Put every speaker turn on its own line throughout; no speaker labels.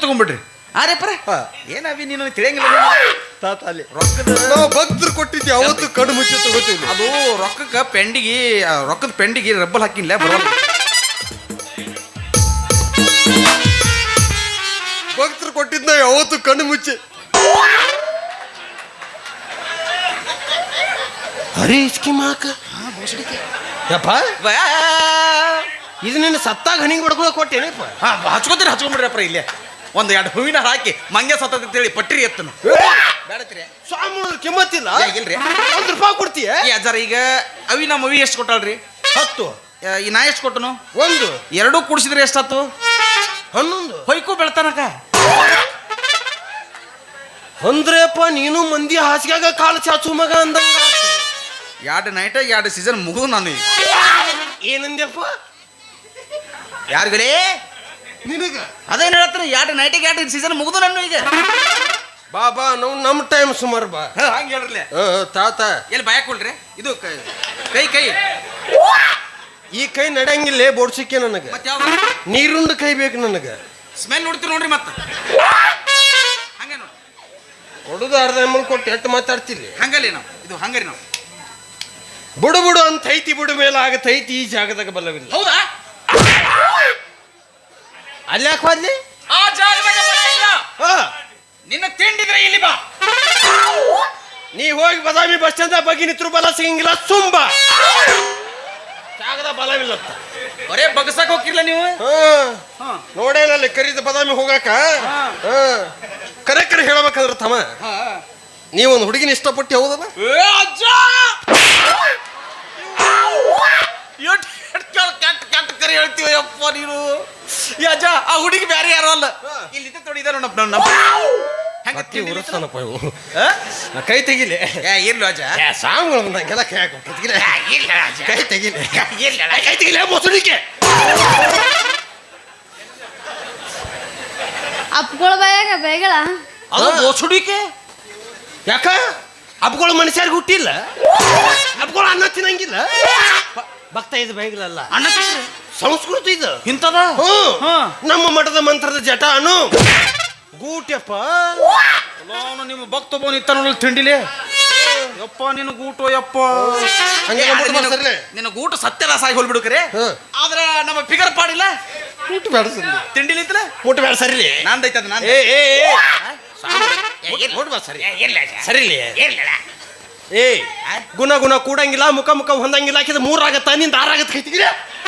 ತಗೊಂಡ್ಬಿಡ್ರಿ. ಅರೆ ಪರ ಏನಾವಿ ನೀನು ತಿಳಿಯಂಗಿಲ್ಲ
ತಾತ ಅಲ್ಲಿ
ರೊಕ್ಕದ
ನಾವು ಭಕ್ತರು ಕೊಟ್ಟಿದ್ವಿ ಅವತ್ತು ಕಣ್ಣು ಮುಚ್ಚಿ ತಗೋತೀವಿ.
ಅದು ರೊಕ್ಕಕ್ಕೆ ರೊಕ್ಕದ ಪೆಂಡಿಗೆ ರಬ್ಬಲ್ ಹಾಕಿಲ್ಲ ಬರೋಲ್ಲ.
ಭಕ್ತರು ಕೊಟ್ಟಿದ್ದ ಯಾವತ್ತು ಕಣ್ಣು ಮುಚ್ಚಿ
ಅರೆ ಇಸ್ಕಿ ಮಾಕ ಯಪ್ಪ ಇದು ನಿನ್ನ ಸತ್ತಾಗ ಹಣಿಗೆ ಹೊಡ್ಕೊಳ್ಳೋ ಕೊಟ್ಟೇನಪ್ಪ.
ಹಚ್ಕೊಂಡ್ಬಿಡ್ರಪ್ಪ ಇಲ್ಲೇ ಒಂದು 2 ಹೂವಿನ ಹಾಕಿ ಮಂಗೆ ಸತ್ತದ ಅಂತೇಳಿ ಪಟ್ರಿ ಎತ್ತನು ಬೇಡತ್ರಿ.
ಸ್ವಾಮಿ ಕಿಮ್ಮತ್ತಿಲ್ಲ
ಇಲ್ರಿ
₹1 ಕೊಡ್ತೀಯ
ಅಜ್ಜಾರ. ಈಗ ಅವಿ ನಮ್ಮ ಅವಿ ಎಷ್ಟು ಕೊಟ್ಟಾಳ್ರಿ?
10.
ಈ ನಾ ಎಷ್ಟು ಕೊಟ್ಟನು?
1.
2 ಕೂಡಿಸಿದ್ರೆ ಎಷ್ಟಾತು?
11.
ಹೊಯ್ಕೂ ಬೆಳ್ತಾನಕ
ಅಂದ್ರಪ್ಪ ನೀನು ಮಂದಿ ಹಾಸಿಗೆಗ ಕಾಲು ಚಾಚು ಮಗ ಅಂದಂಗ
2 ನೈಟ್ 2 ಸೀಸನ್ ಮುಗಿದು ನಾನು ಈಗ
ಏನಂದ್ಯಪ್ಪ
ಯಾರಿಗಲೇ
ನಿನಗ
ಅದೇನು ಹೇಳ್ತಾರೆ 2 ನೈಟಿಗೆ 2 ಸೀಸನ್ ಮುಗಿದು ನಾನು ಈಗ.
ಬಾಬಾ ನಾವು ನಮ್ಮ ಟೈಮ್ ಸುಮಾರು ಬಾ
ಹಂಗೆ ಹೇಳ್ರಲ್ಲ.
ತಾತ
ಎಲ್ಲಿ ಭಯಕೊಳ್ರಿ ಇದು ಕೈ
ಈ ಕೈ ನಡೆಯಂಗಿಲ್ಲ ಬೋಡ್ಸಿಕೆ ನನಗೆ.
ಮತ್ತೆ ಯಾವ
ನೀರುಂಡ ಕೈ ಬೇಕು ನನಗೆ.
ಸ್ಮೆಲ್ ನೋಡ್ತೀರಿ ನೋಡ್ರಿ ಮತ್ತೆ ಹಂಗೆ ನೋಡಿ
ಹೊಡುದು ಅರ್ಧ ಎಮ್ಮಲ್ ಕೊಟ್ಟು ಎಟ್ಟು ಮಾತಾಡ್ತಿರ್ಲಿ
ಹಂಗಲ್ಲಿ ನಾವು ಇದು ಹಂಗರಿ ನಾವು
ಬುಡು ಬುಡು ಅಂತ ಐತಿ ಬುಡು ಮೇಲೆ ಆಗತೈತಿ ಈ ಜಾಗದಾಗ ಬಲ್ಲವಿಲ್ಲ.
ಹೌದಾ?
ಅಲ್ಲಿ ಯಾಕೆ ಹೋದ್ಲಿ?
ಆ ಜಾಗದಾಗ ಬಲ ಇಲ್ಲ. ನಿನ್ನ ತಿಂಡಿದ್ರೆ ಇಲ್ಲಿ ಬಾ.
ನೀ ಹೋಗಿ ಬದಾಮಿ ಬಸ್ ಸ್ಟ್ಯಾಂಡ್ ಬಗ್ಗೆ ನಿತ್ರು ಬಲ ಸಿಗಂಗಿಲ್ಲ ಸುಂಬ ಜಾಗದ ಬಲವಿಲ್ಲ.
ಬರೇ ಬಗಸಕ್ ಹೋಗಿರ್ಲ ನೀವು?
ನೋಡೇನಲ್ಲಿ ಕರೀದ ಬದಾಮಿ ಹೋಗಾಕ ಕರೆ ಕರೆ ಹೇಳ್ಬೇಕಂದ್ರ ತಮ್ಮ ನೀವೊಂದು ಹುಡುಗಿನ ಇಷ್ಟಪಟ್ಟು ಹೌದಲ್ಲ?
ಕೆಟ್ಟ ಕರೆ ಹೇಳ್ತೀವ ಯಪ್ಪ ನೀನು. ಅಜ್ಜ ಆ ಹುಡುಗಿ ಬ್ಯಾರೆ ಯಾರು ಅಲ್ಲ ಇಲ್ಲಿ ತೊಡಿದಾರ
ಕೈ ತೆಗಿಲಿ
ಇರ್ಲು ಅಜ್ಜ
ಸಾಂಗ್ಗಳು ಬಂದಂಗೆಲ್ಲ ಕೈ ಕೈ ತೆಗಿಲಿ ಕೈ ತೆಗಿಲಿ ಮೊಸಡಿಕೆ
ಅಪ್ಗಳು ಬಾಯಾಗ ಬೇಗಳ
ಅದು ಬೋಸುಡಿಕೆ
ಯಾಕ ಹಬ್ಬಗಳು ಮನುಷ್ಯರಿಗೆ ಹುಟ್ಟಿಲ್ಲ ಹಬ್ಬಗಳು ಅನ್ನ ತಿನ್ನಂಗಿಲ್ಲ ಭಕ್ತ ಇದು ಬೈಗಳಲ್ಲ
ಅಣ್ಣ
ಸಂಸ್ಕೃತಿ ಇದು
ಇಂಥದ
ನಮ್ಮ ಮಠದ ಮಂತ್ರದ ಜಟ ಅನು ಗೂಟ್ಯಪ್ಪ
ನಿಮ್ಮ ಭಕ್ತ ಬೋನ್ ಇತ್ತ ನೋಡಲ್ ತಿಂಡಿಲಿ ಯಪ್ಪ ನಿನ್ನ ಗೂಟು ಯಪ್ಪ ನಿನ್ನ ಗೂಟು ಸತ್ಯದಾಸಾಗಿ ಹೋಲ್ಬಿಡುಕ್ರೆ ಆದ್ರೆ ನಮ್ಮ ಫಿಗರ್ ಪಾಡಿಲ್ಲ
ಊಟ ಬೇಡ ಸರಿ
ತಿಂಡಿಲಿ ಇತ್ತಲ್ಲ
ಊಟ ಬೇಡ ಸರಿ
ನಂದೈತದ ನಾನು
ಸರಿ ಏ ಗುಣ ಗುಣ ಕೂಡಂಗಿಲ್ಲ ಮುಖ ಮುಖ ಹೊಂದಂಗಿಲ್ಲ ಹಾಕಿದ 3 ಆಗತ್ತ ನಿಂದ 6 ಆಗತ್ತ ಕೈತಿಗಿರ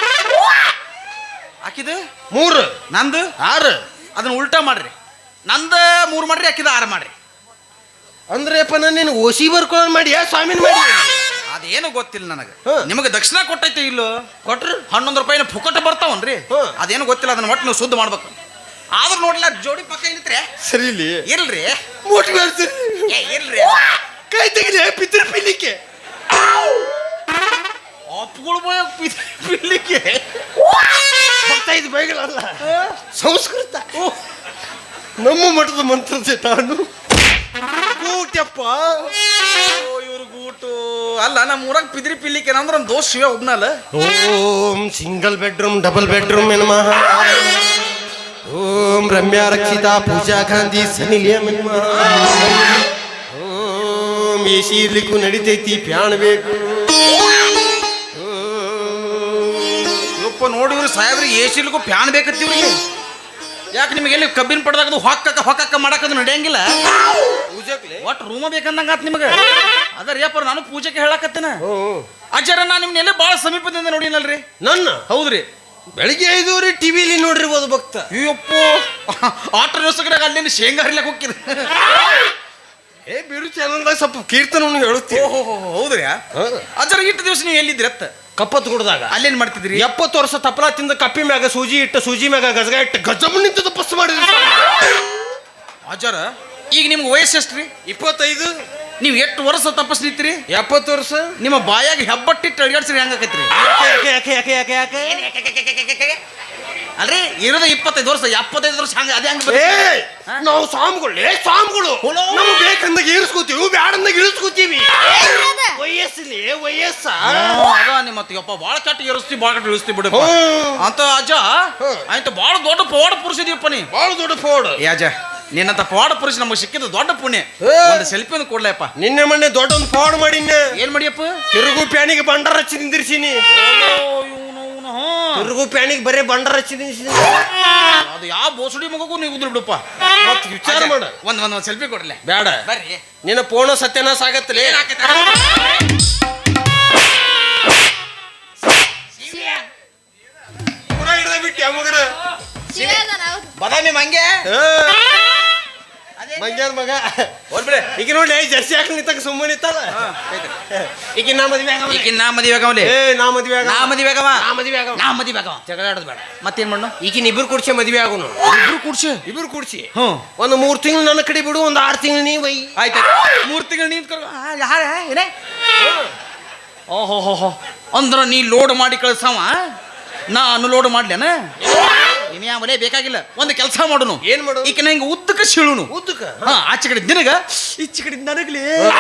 ಹಾಕಿದ
3
ನಂದು
6
ಅದನ್ನ ಉಲ್ಟಾ ಮಾಡ್ರಿ ನಂದ 3 ಮಾಡ್ರಿ ಹಾಕಿದ 6 ಮಾಡ್ರಿ
ಅಂದ್ರೆಪ್ಪ ನಾನು ಓಸಿ ಬರ್ಕೊಂಡು ಮಾಡಿ ಸ್ವಾಮಿನ ಮಾಡಿ
ಅದೇನು ಗೊತ್ತಿಲ್ಲ ನನಗೆ. ನಿಮಗೆ ದಕ್ಷಿಣ ಕೊಟ್ಟೈತೆ ಇಲ್ಲೋ?
ಕೊಟ್ರು
₹11 ಫುಕಟ ಬರ್ತಾವನ್ರಿ. ಅದೇನು ಗೊತ್ತಿಲ್ಲ ಅದನ್ನ ಒಟ್ಟು ನೀವು ಶುದ್ಧ ಮಾಡ್ಬೇಕು. ಆದ್ರೂ ನೋಡ್ಲಿಲ್ಲ ಜೋಡಿ ಪಕ್ಕ ಇಲ್ಲಿತ್ರೆ
ಸರಿ ಇಲ್ಲಿ
ಇಲ್ರಿ
ಮೂಟಿ ಬೇಡ್ತೀರಿ
ಇಲ್ರಿ
ಕೈ ತೆಗಿಲಿ ಪಿತ್ರ ಪಿಲ್ಲಿಕ್ಕೆ
ಅಪ್ಪಗಳು ಪಿಲ್ಲಿಕ್ಕೆ
ಭಕ್ತ ಇದು ಬೈಗಳಲ್ಲ ಸಂಸ್ಕೃತ ನಮ್ಮ ಮಠದ ಮಂತ್ರದ ನಾನು ಗೂಟ್ಯಪ್ಪ
ಇವ್ರ ಗೂಟು ಅಲ್ಲ ನಮ್ಮ ಊರಾಗ ಪಿದ್ರಿ ಪಿಲ್ಲಿಕ್ಕೆ ಅಂದ್ರೆ ಒಂದು ದೋಷ ಶಿವ ಒಬ್ನಲ್ಲ.
ಓಂ ಸಿಂಗಲ್ ಬೆಡ್ರೂಮ್ ಡಬಲ್ ಬೆಡ್ರೂಮ್ ಎನ್ಮಹ ಓಂ ರಮ್ಯಾ ರಕ್ಷಿತಾ ಪೂಜಾ ಗಾಂಧಿ ಸನಿಲಿಯಂ ಎನ್ಮಹ ಓಂ ಎಸಿ ಇರ್ಲಿಕ್ಕೂ ನಡಿತೈತಿ ಪ್ಯಾಣ ಬೇಕು.
ಯಪ್ಪ ನೋಡಿವ್ರಿ ಸಾಹೇಬ್ರಿಗೆ ಏಸಿಲಿಗೂ ಫ್ಯಾನ್ ಬೇಕತ್ತೀವ್ರಿ. ಯಾಕೆ ನಿಮಗೆ ಎಲ್ಲಿ ಕಬ್ಬಿನ ಪಡ್ದಾಗದು ಹೊಕ್ಕಕ್ಕ ಮಾಡಕ್ಕದು ನಡೆಯಂಗಿಲ್ಲ. ಒಟ್ಟು ರೂಮ ಬೇಕಂದಂಗ ಆತ್ ನಿಮಗೆ. ಅದರ ಯಪ್ಪ ನಾನು ಪೂಜೆಗೆ ಹೇಳಕತ್ತೇನ ಅಜ್ಜರ ನಾ ನಿಮ್ನ ಎಲ್ಲೇ ಭಾಳ ಸಮೀಪದಿಂದ ನೋಡಿನಲ್ರಿ.
ನನ್ನ
ಹೌದ್ರಿ
ಬೆಳಿಗ್ಗೆ 5 ಟಿವಿಲಿ ನೋಡಿರ್ಬೋದು ಭಕ್ತ.
ಅಯ್ಯಪ್ಪ ಆಟ ದಿವಸದಾಗ ಅಲ್ಲಿ ಶೇಂಗಾ ಹರಿಲಕ್ಕೆ ಹೋಗ್ತೀರಿ.
ಬಿರು ಚಾನಲ್ದಾಗ ಸ್ವಲ್ಪ ಕೀರ್ತನ ಹೇಳುತ್ತೀವಿ.
ಹೌದ್ರಿ ಅಜ್ಜರ ಇಟ್ಟು ದಿವಸ ನೀವು ಎಲ್ಲಿದ್ರಿ ಅತ್ತ?
ಕಪ್ಪತ್ತು ಗುಡ್ದಾಗ.
ಅಲ್ಲೇನ್ ಮಾಡ್ತಿದ್ರಿ?
70 ವರ್ಷ ತಪ್ಪಲ ತಿಂದ ಕಪ್ಪಿ ಮ್ಯಾಗ ಸೂಜಿ ಇಟ್ಟು ಸೂಜಿ ಮ್ಯಾಗ ಗಜಗ ಇಟ್ಟು ಗಜಮ್ ನಿಂತ ತಪಸ್ಸು ಮಾಡಿದ್ರಿ
ಅಜ್ಜರ. ಈಗ ನಿಮ್ಗೆ ವಯಸ್ಸು ಎಷ್ಟ್ರಿ?
25.
ನೀವು ಎಷ್ಟು ವರ್ಷ ತಪಸ್ ನಿಂತೀರಿ?
70 ವರ್ಷ.
ನಿಮ್ಮ ಬಾಯಾಗ ಹೆಬ್ಬಟ್ಟಿಟ್ಟು ಅಡಿಯಾಡ್ಸ್ರಿ ಹೆಂಗಾಕೈತ್ರಿ? ಅಲ್ರಿ ಇರೋದು 25 ವರ್ಷ 75 ವರ್ಷ ಹಂಗ ಅದೇ ಹಂಗ
ಏ ನಾವು ಸ್ವಾಮಿಗಳು ನಮ್ಗೆ ಬೇಕಂದಾಗ ಏರ್ಸ್ಕೋತೀವಿ ಬ್ಯಾಡಂದಾಗ ಇಳಿಸ್ಕೋತೀವಿ ವಯಸ್ಸಲ್ಲಿ ವಯಸ್ಸ
ಅದ ನಿಮ್ಮ ಯಪ್ಪ ಬಾಳ ಕೆಟ್ಟ ಇರಿಸ್ತಿ ಬಾಳ ಕೆಟ್ಟ ಇಳಿಸ್ತಿ ಬಿಡಪ್ಪ ಅಂತ ಅಜ್ಜ ಆಯ್ತು ಬಾಳ ದೊಡ್ಡ ಪವಾಡ ಪುರುಷ ಇದೀಯಪ್ಪ ನೀ
ಬಾಳ ದೊಡ್ಡ ಫೋಡ್
ಏ ಅಜ್ಜ ನಿನ್ನಂತ ಪವಾಡ ಪುರುಷ ನಮಗೆ ಸಿಕ್ಕಿದ ದೊಡ್ಡ ಪುಣ್ಯ ಒಂದು ಸೆಲ್ಫಿಯನ್ನು ಕೊಡ್ಲಪ್ಪ
ನಿನ್ನೆ ಮೊನ್ನೆ ದೊಡ್ಡ ಒಂದು ಫೋಡ್ ಮಾಡಿನ
ಏನ್ ಮಾಡಿಯಪ್ಪ
ತಿರುಗು ಪ್ಯಾನಿಗೆ ಬಂಡಾರ ಹಚ್ಚಿ ನಿಂದಿರ್ಸೀನಿ ತಿರುಗು ಪ್ಯಾನಿಗೆ ಬರೇ ಬಂಡಾರ ಹಚ್ಚಿ ನಿಂದಿರ್ಸೀನಿ
ಅದು ಯಾವ ಬೋಸುಡಿ ಮಗಗೂ ನೀವು ಉದ್ರ ಬಿಡಪ್ಪ
ಮತ್ ವಿಚಾರ ಮಾಡ
ಒಂದ್ ಸೆಲ್ಫಿ ಕೊಡ್ಲೆ
ಬೇಡ
ಬರ್ರಿ
ನಿನ್ನ ಫೋನ ಸತ್ಯನಾಶ ಆಗತ್ತಲೇ ಪುರ ಹಿಡ್ದ ಬಿಟ್ಟಿ ಮಗನ
ಶಿವ ಅದಾನ ಹೌದು.
ಬದಾಮಿ ಮಂಗೆ
ಮಂಗ್ಯಾನ ಮಗ
ಹೋಗ್ಬಿಡೆ
ಈಗ ನೋಡಿ ಜರ್ಸಿ ಹಾಕಿ ನಿಂತಾಗ ಸುಮ್ಮನೆ ನಿಂತದ ಈಗ ನಾ ಮದ್ವೆ ಆಗವ
ಈಗಿನ ನಾ ಮದುವೆ ಆಗವಲೆ
ಏ ನಾ ಮದ್ವೆ ಆಗವ
ನಾ ಮದುವೆ ಆಗವ
ನಾ ಮದ್ವೆ ಆಗವ
ನಾ ಮದುವೆ ಆಗವ
ಜಗಳ ಆಡೋದು ಬೇಡ
ಮತ್ತೇನ್ ಮಾಡು
ಈಗಿನ ಇಬ್ರು ಕೂಡ್ಸಿ ಮದ್ವೆ ಆಗುನು
ಇಬ್ರು ಕೂಡ್ಸಿ
ಇಬ್ರು ಕೂಡ್ಸಿ
ಹ್ಞೂ
ಒಂದು 3 ತಿಂಗಳು ನನ್ನ ಕಡೆ ಬಿಡು ಒಂದು 6 ತಿಂಗಳು ನೀ ಬೈ
ಆಯ್ತು 3 ತಿಂಗಳು ನಿಂತ್ಕೊಂಡು ಯಾರ ಏನೇ ಓಹೋ ಹೋ ಹೋ ಅಂದ್ರ ನೀ ಲೋಡ್ ಮಾಡಿ ಕಳ್ಸವ ನಾ ಅನ್ಲೋಡ್ ಮಾಡ್ಲೇನ ಇನ್ಯಾ ಮನೆ ಬೇಕಾಗಿಲ್ಲ ಒಂದು ಕೆಲಸ ಮಾಡುನು
ಏನ್ ಮಾಡು
ಈಗ ನಂಗೆ ಉದ್ದಕ್ಕೆ ಸೀಳುನು
ಉದ್ದಕ್ಕ
ಹಾ ಆಚೆ ಕಡೆ ನಿನಗ ಈಚೆ ಕಡೆ ನನಗ್ಲಿ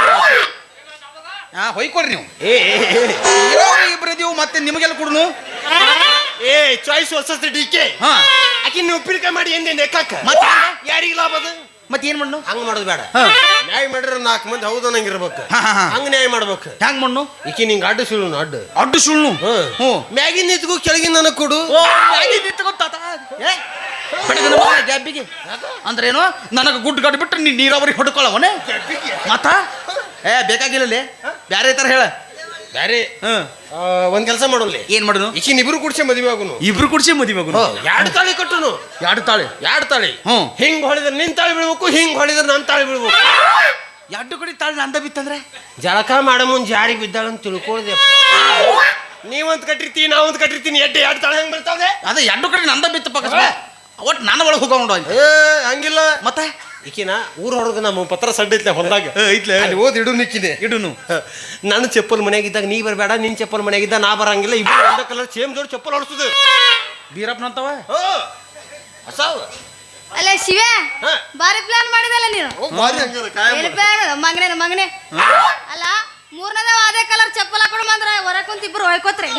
ಹಾ ಹೊಯ್ಕೊಡ್ರಿ ನೀವು ಇಬ್ಬರು ಇದೀವು ಮತ್ತೆ ನಿಮಗೆಲ್ಲ ಕೊಡುನು
ಏ ಚಾಯ್ಸ್ ಹೊಸ ಡಿಕೆ
ಹಾ
ಆಕಿ ನೀವು ಉಪ್ಪಿನಕಾಯಿ ಮಾಡಿ ಎಂದೆ ನೆಕ್ಕಾಕ
ಮತ್ತೆ
ಯಾರಿಗೆ ಲಾಭ ಅದು
ಮತ್ತೆ ಏನ್ ಮಣ್ಣು
ಹಂಗ ಮಾಡೋದು ಬೇಡ
ಹಾ
ನ್ಯಾಯ ಮಾಡಿದ್ರೆ 4 ಮಂದಿ ಹೌದು ನಂಗಿರ್ಬೇಕು
ಹಾ, ಹಾ, ಹಾ.
ಹಂಗ ನ್ಯಾಯ ಮಾಡ್ಬೇಕು
ಹ್ಯಾಂಗ ಮಣ್ಣು
ಈಕಿ ನಿಂಗೆ ಅಡ್ಡು ಸುಳ್ಳು ಅಡ್ಡು
ಅಡ್ಡು ಸುಳ್ಳು ಹ್ಞೂ
ಮ್ಯಾಗಿನ ನಿಂತ್ಗೂ ಕೆಳಗಿನ ನನಗೆ ಕೊಡು
ಓ ಮ್ಯಾಗಿ ನಿಂತ್ಕೊಂತಾತ. ಏ ಬೆಳಗಿನ ಮಗನ ಗ್ಯಾಪಿಗೆ ಅಂದ್ರೇನು ನನಗೆ ಗುಡ್ ಗಡ್ ಬಿಟ್ಟು ನೀ ನೀರಾವರಿ ಹೊಡ್ಕೊಳ್ಳವನೇ ಮತ್ತ ಏ ಬೇಕಾಗಿಲ್ಲಲೇ ಬ್ಯಾರೆ ತರ ಹೇಳ
ಬ್ಯಾರೆ
ಹ್ಮ್
ಒಂದ್ ಕೆಲಸ ಮಾಡೋಲ್ಲ
ಏನ್ ಮಾಡುನು
ಈಕಿನ ಇಬ್ರು ಕೂಡ್ಸೆ ಮದುವೆ ಆಗುನು
ಇಬ್ರು ಕುಡ್ಸಿ ಮದುವೆ ಮಗನು
2 ತಾಳಿ ಕಟ್ಟುನು
ಎರಡು ತಾಳೆ
2 ತಾಳಿ
ಹ್ಞೂ
ಹಿಂಗ್ ಹೊಳಿದ್ರೆ ನಿನ್ ತಾಳಿ ಬೀಳ್ಬೇಕು ಹಿಂಗ್ ಹೊಳಿದ್ರೆ ನನ್ ತಾಳಿ ಬೀಳ್ಬೇಕು
ಎರಡು ಕಡೆ ತಾಳೆ ನಂದ ಬಿತ್ತಂದ್ರೆ
ಜಳಕ ಮಾಡ ಮುಂದ್ ಜಾರಿಗೆ ಬಿದ್ದಾಳಂತ ತಿಳ್ಕೊಳ್ದೆ ನೀವಂತ ಕಟ್ಟಿರ್ತೀನಿ ನಾವಂತ ಕಟ್ಟಿರ್ತೀನಿ 2 ತಾಳಿ ಹೆಂಗ್ ಬೀಳ್ತಾವೆ
ಅದೇ ಎರಡು ಕಡೆ ನಂದ ಬಿತ್ತ ಪಕ್ಕ ಒಟ್ಟು ನನ್ನ ಒಳಗೆ ಹೋಗೋಣ ಅಂತ
ಏ ಹಂಗಿಲ್ಲ
ಮತ್ತೆ
ಈಕಿನ ಊರ ಹೊರಗೆ ನಮ್ಮ ಪತ್ರ ಸಡ್ಡ ಐತ್ಲೆ ಹೊಲ್ದಾಗ
ಐತ್ಲೆ
ಅಲ್ಲಿ ಓದ್ ಇಡು ನಿಕ್ಕಿದೆ
ಇಡುನು
ನನ್ನ ಚಪ್ಪಲ್ ಮನೆಯಾಗಿದ್ದಾಗ ನೀ ಬರಬೇಡ ನಿನ್ ಚಪ್ಪಲ್ ಮನೆಯಾಗಿದ್ದ ನಾ ಬರಂಗಿಲ್ಲ ಇಬ್ರು ಒಂದೇ ಕಲರ್ ಸೇಮ್ ಜೋಡಿ ಚಪ್ಪಲ್ ಹೊಡ್ಸುದು
ಬೀರಪ್ಪನಂತವ
ಹೊಸಾವ್
ಅಲ್ಲ ಶಿವ
ಹಾ.
ಬಾರಿ ಪ್ಲಾನ್ ಮಾಡಿದಲ್ಲ ನೀನು ಎಲ್ಲಿ ಪ್ಲಾನ್ ಮಗನೇ ಅಲ್ಲ ಮೂರನೇದ ಅದೇ ಕಲರ್ ಚಪ್ಪಲ್ ಹಾಕೊಂಡು ಬಂದ್ರ ಹೊರ ಕುಂತ ಇಬ್ರು ಹೊಯ್ಕೋತ್ರೇನ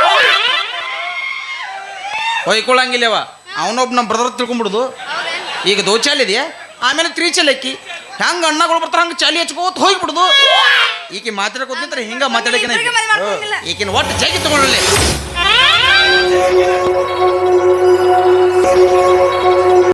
ಹೊಯ್ಕೊಳ್ಳಂಗಿಲ್ಲವ ಅವನೊಬ್ಬ ನಮ್ಮ ಬ್ರದರ್ ತಿಳ್ಕೊಂಬಿಡುದು ಈಗ ದೋಚಾಲ್ ಇದೆಯಾ ಆಮೇಲೆ 3 ಚಲಕ್ಕಿ ಹೆಂಗ ಅಣ್ಣಗಳು ಬರ್ತಾರ ಹಂಗ ಚಾಲಿ ಹಚ್ಕೋತ ಹೋಗ್ಬಿಡುದು ಈಕೆ ಮಾತಾಡ್ಕೋತಿಂದ್ರೆ ಹಿಂಗ ಮಾತಾಡಕಿನ ಈಕಿನ ಒಟ್ಟು ಜಗಿ ತಗೊಳ್ಳಿ